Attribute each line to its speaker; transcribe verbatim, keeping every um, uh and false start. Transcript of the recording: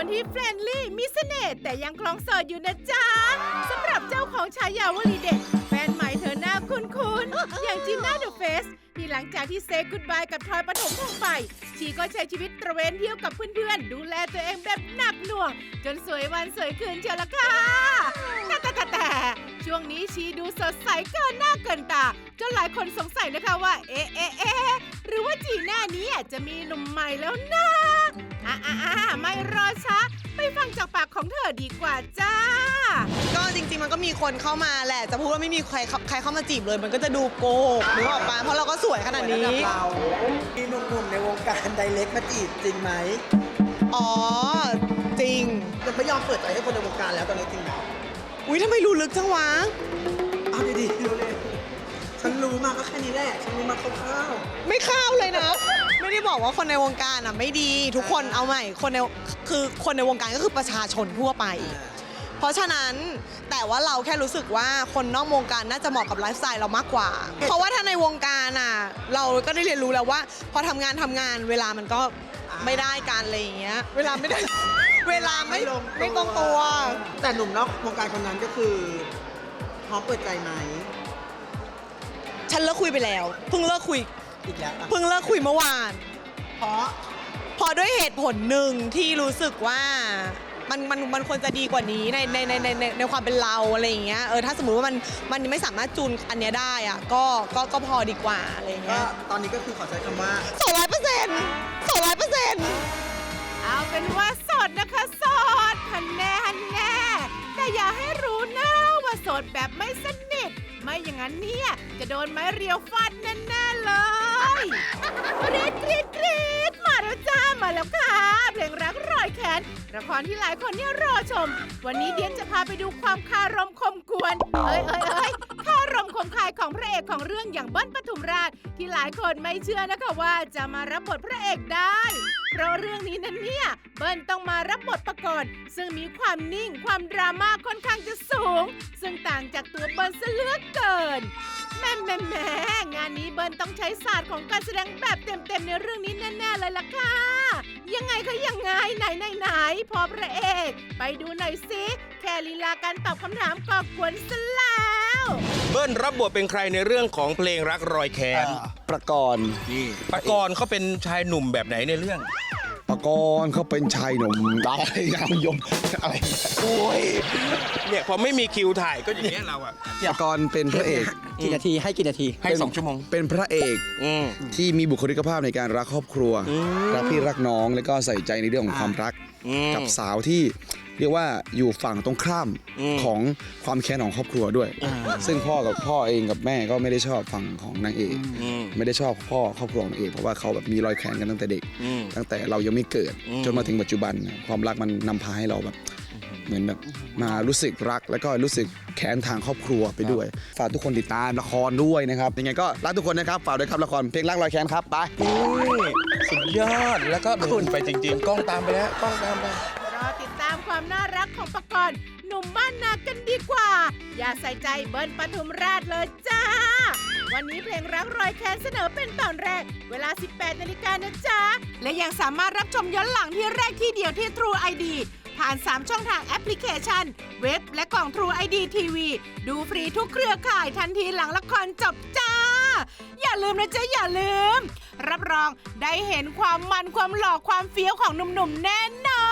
Speaker 1: คนที่เฟรนลี่มีเสน่ห์แต่ยังคลองโสดอยู่นะจ๊ะสำหรับเจ้าของฉายาวลีเด็ดแฟนใหม่เธอหน้าคุ้นๆอย่างจีน่าเดอะเฟสที่หลังจากที่เซฟกุดบายกับทอยปฐมพงษ์ไปชีก็ใช้ชีวิตตระเวนเที่ยวกับเพื่อนๆดูแลตัวเองแบบหนักหน่วงจนสวยวันสวยคืนเชียวละค่ะแต่แต่แต่แต่ช่วงนี้ชีดูสดใสเกินหน้าเกินตาจนหลายคนสงสัยนะคะว่าเอ๊ะเอ๊ะเอ๊ะหรือว่าจีน่านี้จะมีหนุ่มใหม่แล้วนะอ่ะอ่ะอ่ะไม่รอช้าไปฟังจากปากของเธอดีกว่าจ้า
Speaker 2: ก็จริงๆมันก็มีคนเข้ามาแหละจะพูดว่าไม่มีใครใครเข้ามาจีบเลยมันก็จะดูโกหกนึกออกปะเพราะเราก็สวยขนาดนี้
Speaker 3: เรามีหนุ่มๆในวงการไดเรกมาจีบจริงไหม
Speaker 2: อ๋อจริง
Speaker 3: ยังไม่ยอมเปิดใจให้คนในวงการแล้วตอนนี้จริงไหม
Speaker 2: อุ้ยทำไมรู้ลึกจังวะ
Speaker 3: เอาดีๆรู้เลยฉันรู้มาก็แค่นี้แหละฉันรู้มาคร่าว
Speaker 2: ไม่เข้าเลยนะ ไม่ได้บอกว่าคนในวงการอ่ะไม่ดีทุกคนเอาใหม่คนในคือคนในวงการก็คือประชาชนทั่วไป เพราะฉะนั้นแต่ว่าเราแค่รู้สึกว่าคนนอกวงการน่าจะเหมาะกับไลฟ์สไตล์เรามากกว่า เพราะว่าถ้าในวงการอ่ะเราก็ได้เรียนรู้แล้วว่า พอทำงานทำงานเวลามันก็ไม่ได้การอะไรอย่างเงี้ยเวลาไม่ได้ เวลาไม่ไม่ตรงตัว
Speaker 3: แต่หนุ่มนอกวงการคนนั้นก็คือพร้อมเปิดใจไหม
Speaker 2: ฉันเลิกคุยไปแล้วเพิ่งเลิกคุย
Speaker 3: อีกแล้ว
Speaker 2: เพิ่งเลิกคุยเมื่อวาน
Speaker 3: เพราะ
Speaker 2: พอด้วยเหตุผลหนึ่งที่รู้สึกว่ามันมันมันควรจะดีกว่านี้ในในในในในในความเป็นเราอะไรอย่างเงี้ยเออถ้าสมมุติว่ามันมันไม่สามารถจูนอันเนี้ยได้อ่ะก็ก็ก็พอดีกว่าอะไรอย่าง
Speaker 3: ก็
Speaker 2: เงี้ย
Speaker 3: ตอนนี้ก็คือขอใช้คำว่า
Speaker 2: สองร้อยเปอร์เซ็นต์สองร้อยเปอร์เซ็นต์
Speaker 1: เอาเป็นว่าโสดนะคะโสดฮันแน่ฮันแน่แต่อย่าให้รู้นะว่าโสดแบบไม่สนิทไม่อย่างนั้นเนี่ยจะโดนไม้เรียวฟาดแน่ๆเลยกรี๊ดกรี๊ดกรี๊ดมาแล้วจ้ามาแล้วค่ะเพลงรักรอยแขนละครที่หลายคนเนี่ยรอชม วันนี้เดียนจะพาไปดูความคารมคมกวนเอ้ยเอ้ยเอ้ยคารมคมคายของพระเอกของเรื่องอย่างเบิ้ลปทุมราชที่หลายคนไม่เชื่อนะคะว่าจะมารับบทพระเอกได้เพราะเรื่องนี้นั้นเนี่ยเบิ้ลต้องมารับบทประกอบซึ่งมีความนิ่งความดราม่าค่อนข้างจะสูงซึ่งต่างจากตัวเบิ้ลซะเหลือเกินแม่แม่แม่งานนี้เบิ้ลต้องใช้ศาสตร์ของการแสดงแบบเต็มๆในเรื่องนี้แน่ๆเลยล่ะค่ะยังไงคะยังไงไหนไหนไหนพอพระเอกไปดูหน่อยสิแค่ลีลาการตอบคำถามก็กวนซะแล้ว
Speaker 4: เบิ้ลรับบทเป็นใครในเรื่องของเพลงรักรอยแขน
Speaker 5: ประกรณ์
Speaker 4: นี่ปกรณ์เขาเป็นชายหนุ่มแบบไหนในเรื่อง
Speaker 5: ประกรณ์เขาเป็นชายหนุ่มดาวงามยมอะไรโอ้ย
Speaker 4: เนี่ยพอไม่มีคิวถ่ายก็อย่างเงี้ยเราอะ
Speaker 5: ประกรณ์เป็นพระเอก
Speaker 6: กี่นาทีให้กี่นาที
Speaker 4: ให้สองชั่วโมง
Speaker 5: เป็นพระเอก
Speaker 4: อืม
Speaker 5: ที่มีบุคลิกภาพในการรักครอบครัว รักพี่รักน้องแล้วก็ใส่ใจในเรื่องของความรัก
Speaker 4: อืม
Speaker 5: กับสาวที่เรียกว่าอยู่ฝั่งตรงข้าม
Speaker 4: อืม
Speaker 5: ของความแค้นของครอบครัวด้วย ซึ่งพ่อกับพ่อเองกับแม่ก็ไม่ได้ชอบฝั่งของนางเอก
Speaker 4: อืม
Speaker 5: ไม่ได้ชอบพ่อครอบครัวของนางเอกเพราะว่าเขาแบบมีรอยแค้นกันตั้งแต่เด็ก
Speaker 4: อืม
Speaker 5: ตั้งแต่เรายังไม่เกิด
Speaker 4: อืม
Speaker 5: จนมาถึงปัจจุบันเนี่ยความรักมันนำพาให้เราแบบเหมือนแบบมารู้สึกรักแล้วก็รู้สึกแค้นทางครอบครัวไปด้วยฝากทุกคนติดตามละครด้วยนะครับยังไงก็รักทุกคนนะครับฝากด้วยครับละครเพลงรักรอยแค้นครับไป
Speaker 4: นี่สุดยอดแล้วก็ขุนไปจริงๆ กล้องตามไปแล้วกล้องตามไป
Speaker 1: รอติดตามความน่ารักของปกรณ์หนุ่มบ้านนากันดีกว่า อย่าใส่ใจเบิ้ลปทุมราชเลยจ้า วันนี้เพลงรักรอยแค้นเสนอเป็นตอนแรก เวลา สิบแปดนาฬิกานะจ๊ะ และยังสามารถรับชมย้อนหลังที่แรกที่เดียวที่ True ไอ ดี ผ่าน สาม ช่องทางแอปพลิเคชัน เว็บและกล่อง True ไอ ดี ที วี ดูฟรีทุกเครือข่ายทันทีหลังละครจบจ้า อย่าลืมนะจ๊ะอย่าลืม รับรองได้เห็นความมันความหล่อความเฟี้ยวของหนุ่มๆแน่นอ